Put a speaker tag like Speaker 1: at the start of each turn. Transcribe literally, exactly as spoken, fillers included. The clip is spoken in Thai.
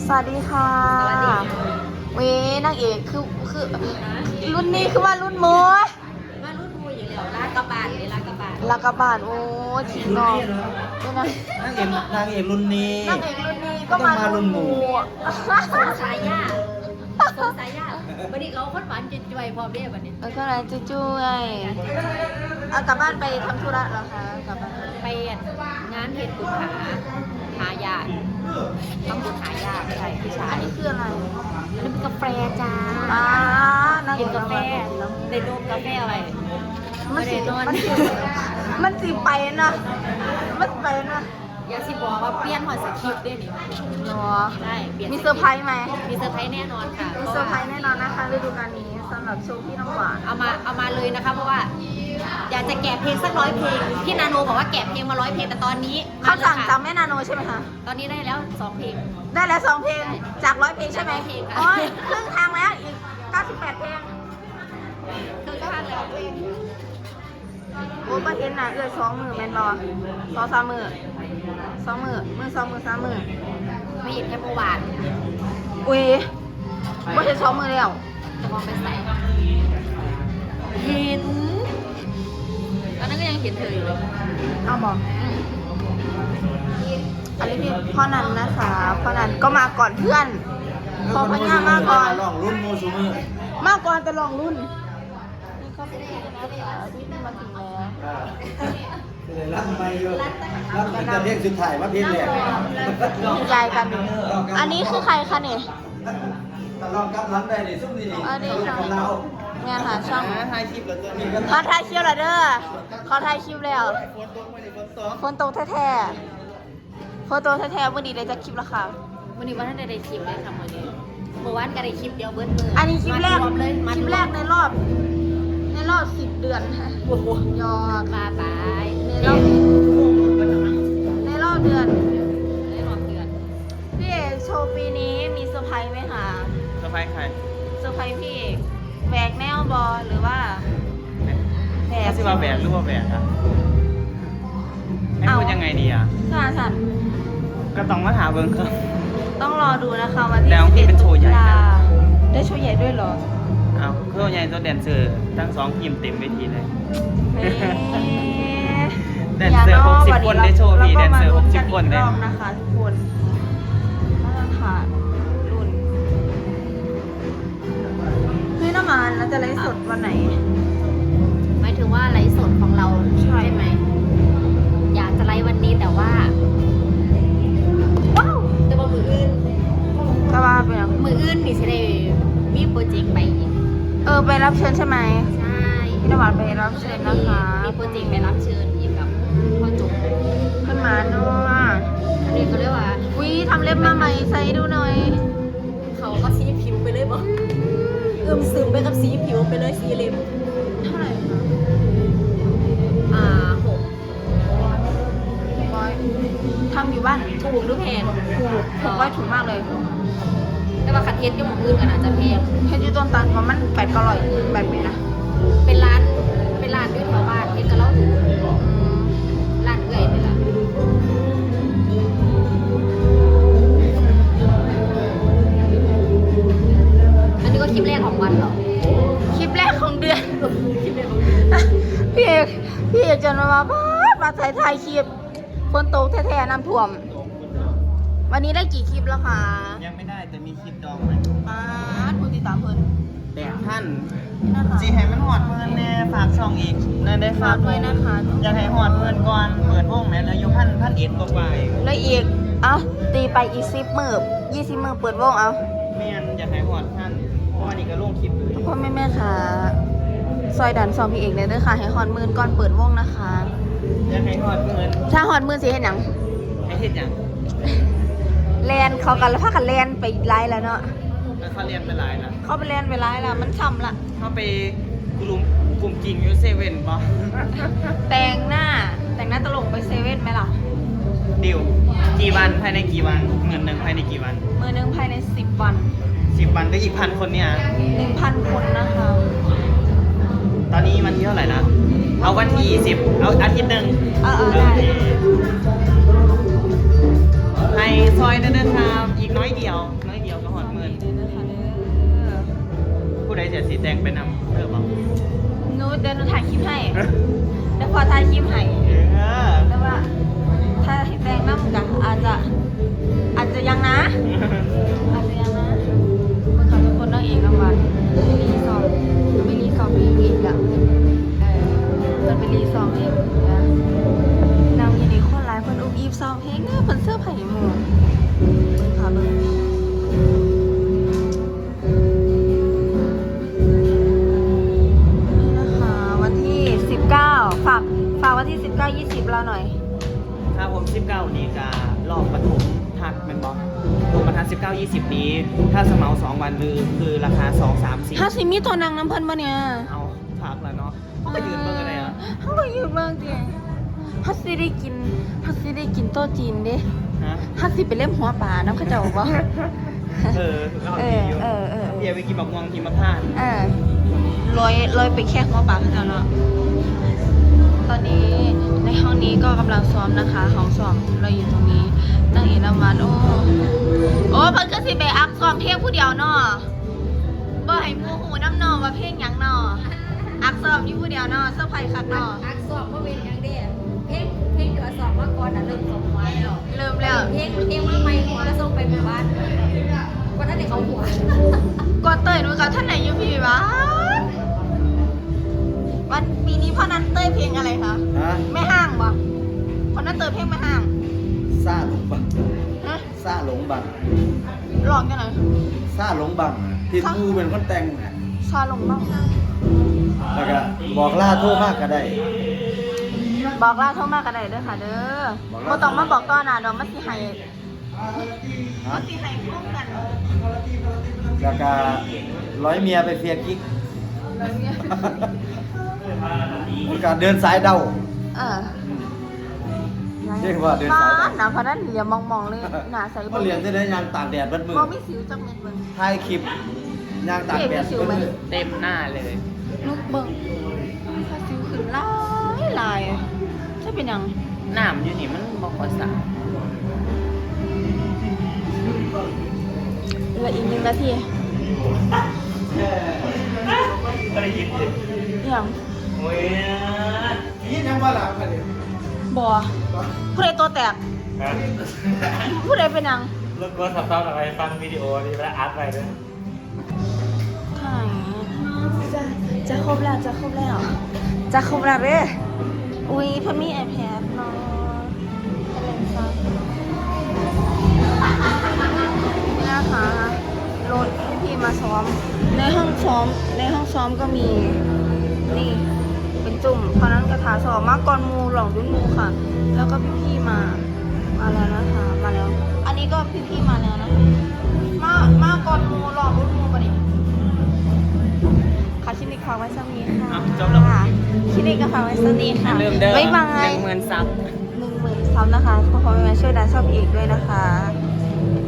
Speaker 1: สวัสดีค่ะสวัสดีเว้นางเอกคือคือรุ่นนี้คือว่ารุ่นโม
Speaker 2: ว่ารุ่นโมอยู่แล้วลากกระบาดเลยลากกระบาด
Speaker 1: ลากระบาดโอ้ฉีกนอก
Speaker 3: นางเอกนางเอกรุ่นนี้
Speaker 1: นางเอกรุ่นนี้ก็มารุ่นโม
Speaker 2: สงสายยาสงสายยาวันนี้เราคนหวานจุ่ยๆพร้อมเรียบวันนี้
Speaker 1: เออก็เลยจุ้ยเอากลับบ้านไปทำธุระเหรอคะกลับบ้าน
Speaker 2: ไปงานเหตุบุญหาหายาต้องบุญหายาใช่พี่ชาย
Speaker 1: อันนี้คืออะไร
Speaker 2: อันนี้เป็นกาแฟจ้า
Speaker 1: อ่านั่ง
Speaker 2: กินกาแฟในโดมกาแฟอะไร
Speaker 1: มันสิมันสิมันสิไปนะมันไปนะ
Speaker 2: อยากสิบอกว่าเปลี่ยนหัวสคริปต์ได้นี่
Speaker 1: เนาะ
Speaker 2: ใช่เปลี่ยน
Speaker 1: มีเซอร์ไพรส์ไหม
Speaker 2: มีเซอร์ไพรส์แน่นอนค่ะ
Speaker 1: มีเซอร์ไพรส์แน่นอนนะคะฤดูกาลนี้สำหรับโชว์พี่น้ำหวาน
Speaker 2: เอามาเอามาเลยนะคะเพราะว่าอยากจะแกะเพลงสักร้อยเพลงพี่นาโนบอกว่าแกะเพลงมาร้อยเพลงแต่ตอนนี้
Speaker 1: เขาสั่งจากแม่นาโนใช่ไหมคะ
Speaker 2: ตอนนี้ได้แล้วสองเพลง
Speaker 1: ได้แล้วสองเพลงจากร้อยเพลงใช่ไหมอ๋อครึ่งทางแล้วอีกเก้าสิบแปดเพลง
Speaker 2: ครึ่งทางแล้ว
Speaker 1: โอ้ประเทศน่ะเอื้อสองมือแมนบอสองสามมือสองมือมือสองมือสามมือ
Speaker 2: ไม่เห็นแค่เมื่อวาน
Speaker 1: อุ้ยว่าจะสองมือแล้ว
Speaker 2: จะมองไปใส่เห็นตอนนั้นก็ยังเห็นเธออยู่เลย
Speaker 1: เอาบอกอันนี้พี่พ่อนันนะคะพ่อนันก็มาก่อนเพื่อนพอพญามาก่อน
Speaker 3: ลองรุ่นโมซูมือ
Speaker 1: มาก่อนแต่ลองรุ่นนี่ก็เป็นนะคะที่มาถึงแล้ว
Speaker 3: รับไม่เยอะรับเป็นจะเรียกสุดท้ายว่าเพลงแรก
Speaker 1: ยายกันอันนี้คือใครคะเนี่ย
Speaker 3: ลองกับร้านได้เลยซุ่มดีๆ
Speaker 1: อันนี้ค่ะงานหาช่อง
Speaker 3: ถ่ายคลิปแล้วตัวนี้
Speaker 1: เขาถ่ายคลิปแล้วเด้อเขาถ่ายคลิปแล้วฝนตกแท้ๆฝนตกแท้ๆเมื่อดีเลยจะคลิปแล้วค่ะ
Speaker 2: วันนี้วันนั้นได้คลิปเลยค่ะวันนี้เมื่อวานก็ได้คลิปเดียวเบิร์ดเลย
Speaker 1: อันนี้คลิปแรกเลยคลิปแรกในรอบในรอบสิบเดือนค่ะ
Speaker 2: โอ้โห
Speaker 1: ยอด
Speaker 2: มาไป
Speaker 1: ในรอบในรอบเดือน
Speaker 2: ในรอบเดือน
Speaker 1: พี่เอกโชว์ปีนี้มีเซอร์ไพรส์ไหมคะ
Speaker 3: เซอร์ไพรส์ใคร
Speaker 1: เซอร์ไพรส์พี่เอกแหวกแนวบอลหรือว่า
Speaker 3: แหวกที่ว่าแหวกหรือว่าแหวกอะให้พูดยังไงดีอะ
Speaker 1: สาสัน
Speaker 3: ก็ต้องมาถามเบิ้งครับ
Speaker 1: ต้องรอดูนะคะวันที่
Speaker 3: สิบเอ็ดตุลา
Speaker 1: ได้โชว์ใหญ่ด้วยเหรอ
Speaker 3: เอาโชว์ใหญ่ตัวแดนเซอร์ทั้งสองทีมเต็มเวทีเลยแดนเซอร์หกสิบคนได้โชว์พี่แดนเซอร์หกสิบคนได้
Speaker 1: นะคะทุกคนมาตรฐานรุ่นพี่น้ำมันเราจะไลฟ์สดวันไหน
Speaker 2: หมายถึงว่าไลฟ์สดของเราใช่ไหมอยากจะไลฟ์วันนี้แต่ว่าว้าวแต่ว่ามืออื่น
Speaker 1: ก็ว่าเป็น
Speaker 2: มืออื่นนี่ใช่ได้มีโปรเจกต์ไปอีก
Speaker 1: เออไปรับเชิญใช่ไหม
Speaker 2: ใช่
Speaker 1: พี่น้ำมันไปรับเชิญนะคะ
Speaker 2: มีโปรเจกต์ไปรับเชิญอีกกับพ่อจุ๊บ
Speaker 1: ขึ้นมาเนาะ
Speaker 2: อันนี้เขาเรียกว่า
Speaker 1: วิทำเล็บมาใหม่ใส่ดูหน่อย
Speaker 2: เขาก็สีผิวไปเลยบ่เอื้อมซึมไปกับสีผิวไปเลยสีเล็บ
Speaker 1: เท่าไหร่คะ
Speaker 2: อ่าหก
Speaker 1: ร้อยทำอยู่บ้าน
Speaker 2: ถูกหรือแพง
Speaker 1: ถูกหกร้อยถูกมากเลย
Speaker 2: แต่ว่าคัดเทสก็หมดอื่นกันอาจจะแพง
Speaker 1: เทสยูต้นตันเพราะมันแปดก็ร้อยแบบนี้นะ
Speaker 2: เป็นร้านเป็นร้านด้วยแถวบ้านเทสก็เล่าถูกร้านเอื่อยนี่แหละอันนี้ก็คลิปแรกของวันเหรอ
Speaker 1: คลิปแรกของเดือนพี่เอกพี่เอกจะมาบ้ามาถ่ายถ่ายคลิปฝนตกแท้ๆน้ำท่วมวันนี้ได้กี่คลิปแล้วคะ
Speaker 3: ยังไม่ได้แต่มีคลิปดองไหม
Speaker 1: อ่าผู้ติดตามเพิ่น
Speaker 3: แดกท่านจีให้มันหอดเพื่อนแน่ฝากช่องอีกนั่นได้ฝาก
Speaker 1: เลยนะคะ
Speaker 3: อยากให้หอดเพื่อนก่อนเปิดวงแม่แล้วอยู่พันพันเอ็ดกว่า
Speaker 1: แล้วอีกเอ้าตีไปอีกสิบมือยี่สิบมือเปิดวงเอา
Speaker 3: แม่นอยากให้หอดท่านเพราะว่านี่ก็ลงคลิป
Speaker 1: พ่อแม่แม่ค่ะซอยดันซองพี่เอกเลยเด้อค่ะให้หอดมือก่อนเปิดวงนะคะ
Speaker 3: อยากให้หอดเพื่อน
Speaker 1: ถ้าหอดมือสิเห็นหยัง
Speaker 3: ให้เห็นหยัง
Speaker 1: แลนเขากันแล้วพากันแลนไปไล่แล้วเนาะ
Speaker 3: เขาเรียนไปหลายนะ
Speaker 1: เขาไปแลนไปไล่แล้วมันช้ำละ
Speaker 3: เขาไปกลุ่มกลุ่มกิ่งยูเซเว่นป่ะ
Speaker 1: แต่งหน้าแต่งหน้าตลกไปเซเว่นไหมล่ะ
Speaker 3: ดิวกี่วันภายในกี่วันเงินหนึ่งภายในกี่วัน
Speaker 1: เงินหนึ่งภายในสิบวัน
Speaker 3: สิบวันก็อีกพันคนเนี่ย
Speaker 1: หนึ่งพันคนนะคะ
Speaker 3: ตอนนี้วันที่เท่าไหร่นะเอาวันที่สิบเอาอาทิตย์หนึ่ง
Speaker 1: เออได้
Speaker 3: ให้ซอยเดินทางอีกน้อยเดียวแต่งไปนำเออบอก
Speaker 1: หนูเดี๋ยวหนูถ่ายคลิปให้เดี๋ยวพอถ่ายคลิปให้
Speaker 3: เออ
Speaker 1: แต่ว่า ถ้าให้แต่งน้ำกันอาจจะ อาจจะยังนะ อาจจะยังนะคนเขาเป็นคนนั่งเองรางวัลไม่รีซองไม่รีซองเองอีกอะเออมันเป็นรีซองเองนะนางยินดีคนร้ายคนอุ้มอีฟซองเพลงเนี่ยเป็นเสื้อผ้าหมูเบิ่งค่ะเบิ่งนี่นะคะวันที่สิบเก้าฝากฝากวันที่สิบเก้ายี่สิบเราหน่อย
Speaker 3: ถ้าผมสิบเก้านี้ก็รอบปฐมทัดเป็นบอลรวมประทัดสิบเก้ายี่สิบนี้ ถ้าสมัครสองวันคือคือราคาสองสามสี่
Speaker 1: ถ้าสิมีตัวนางน้ำเพิ่นบ่เนี่ย
Speaker 3: เอาพักแล้วเนาะเขาก็ยืนเบิ่งอะไรอ่ะ
Speaker 1: เขาก็ยืนเบิ่งจริงฮัสสิได้กินฮัสสิได้กินโต๊ะจีนเด้
Speaker 3: ฮะ
Speaker 1: ฮัสสิไปเล่มหัวป่าน้ำเขาเจ้าบ่
Speaker 3: เออเรา
Speaker 1: เอ
Speaker 3: ดี
Speaker 1: อ
Speaker 3: อยู่
Speaker 1: เออเออ
Speaker 3: เดี๋ยวไปกินบักม่วงกินมะพร้าว
Speaker 1: เออลอยลอยไปแค่หัวป่าเขาเจ้าเนาะตอนนี้ในห้องนี้ก็กำลังซ้อมนะคะห้องซ้อมเราอยู่ตรงนี้นั่งเอกน้ำมันโอ้โอ้เพิ่นก็สิไปอักซ้อมเพลงผู้เดียวเนาะบ่ให้หมู่หูน้ำเนอว่าเพลงหยังเนาะอักซ้อมอยู่ผู้เดียวเนาะเซอร์ไพรส์คักเนาะ
Speaker 2: อักสอบว่าเป็นอย่างเดียวเพลงเพลงเดือสอบมาก่อนอ่ะเริ่มส่งหัวแล้ว
Speaker 1: เริ่มแล้ว
Speaker 2: เพลงเพลงมาใหม่หัวแล้วส่งไปหมู่บ้านก็ท่านเด็กเขาหัว
Speaker 1: ก่อนเต้ยหนูกับท่านไหนอยู่พี่วะวันปีนี้พ่อนันเต้ยเพลงอะไรคะ
Speaker 4: ฮะ
Speaker 1: ไม่ห่างบ่พ่อนันเต้ยเพลงไม่ห่าง
Speaker 4: ซาหลงบัง
Speaker 1: ฮะ
Speaker 4: ซาหลงบัง
Speaker 1: ลองกันหน่อย
Speaker 4: ซาหลงบังที่ปูเป็นคนแต่งน่ะ
Speaker 1: ชาลงบ้าง
Speaker 4: แล้วก็บอกล่าโทษมากก็ได้
Speaker 1: บอกลาโทรมากันได้เด้อค่ะเด้อ
Speaker 4: บอก
Speaker 1: บ่
Speaker 4: ลา
Speaker 1: ต้องมาบอกต้อนนะดอกมันสิให้
Speaker 4: ฮะ
Speaker 1: มันสิให้พร้อมกัน
Speaker 4: แล้วก็ร้อยเมียไปเฟียกิ๊ก
Speaker 1: แล้วเนี่ย
Speaker 4: แล้วก็เดินสายเดา
Speaker 1: เออ
Speaker 4: เรียกว่าเดินสาย
Speaker 1: ฟ้นะเพราะนั้นเหลียวมองๆเลยหน้าใส
Speaker 4: เขาเรียนได้ยางตากแดดเบัดมือ
Speaker 1: บ่มีสิวจักเม็ดเบิ่ง
Speaker 4: ถ่ายคลิปยางตากแดด
Speaker 1: เห็นมีสิว
Speaker 4: เบัด
Speaker 1: ไหม
Speaker 4: มือ
Speaker 3: เต็มหน้าเลย
Speaker 1: ลูกเบิ่งถ้าสิวขึ้นหลายหลายจะเป็นหยัง
Speaker 3: น้ำอยู่นี่มันบอกภาษา
Speaker 1: เหลืออีกหนึ่งนาที
Speaker 3: ก็ได้ยินดิ
Speaker 1: อย่าง
Speaker 3: โอ้ย
Speaker 4: นี่ยังว่าหลับกันเลย
Speaker 1: บ่ผู้ใดตัวแตก ผู้ใดเป็นหยัง
Speaker 5: รถรถขับตอนอะไรฟังวิดีโอนี่แล้วอัดไปด้วย
Speaker 1: ถ่ายจะจะครบแล้ว จะครบแล้ว จะครบแล้วเด้ออุ้ยเพิ่นมี iPad เนาะอะไรซะนี่นะคะรถพี่ๆมาซ้อม ในห้องซ้อม ในห้องซ้อมก็มี นี่ เป็นจุ่มเพราะนั้นกระถาสอบมาก่อนหมูหลองรุ่นหมูค่ะ แล้วก็พี่ๆมา มาแล้วนะคะ มาแล้ว อันนี้ก็พี่ๆมาแล้วนะคะมา มาก่อนหมูหลองรุ่นหมูปะเนี่ยค่ะคลินิกฝากไว้สักนี้ค่ะ
Speaker 3: อ้าวจบแล้ว
Speaker 1: คลินิกก็ฝากไว้สักนี้ค่ะ
Speaker 3: เริ่มเด้อ
Speaker 1: บ๊ายบา
Speaker 3: ห
Speaker 1: ย
Speaker 3: นึ่งหมื่นซับ
Speaker 1: หนึ่งหมื่นซับนะคะขอขอแม่ช่วยดันชอบอีกด้วยนะคะ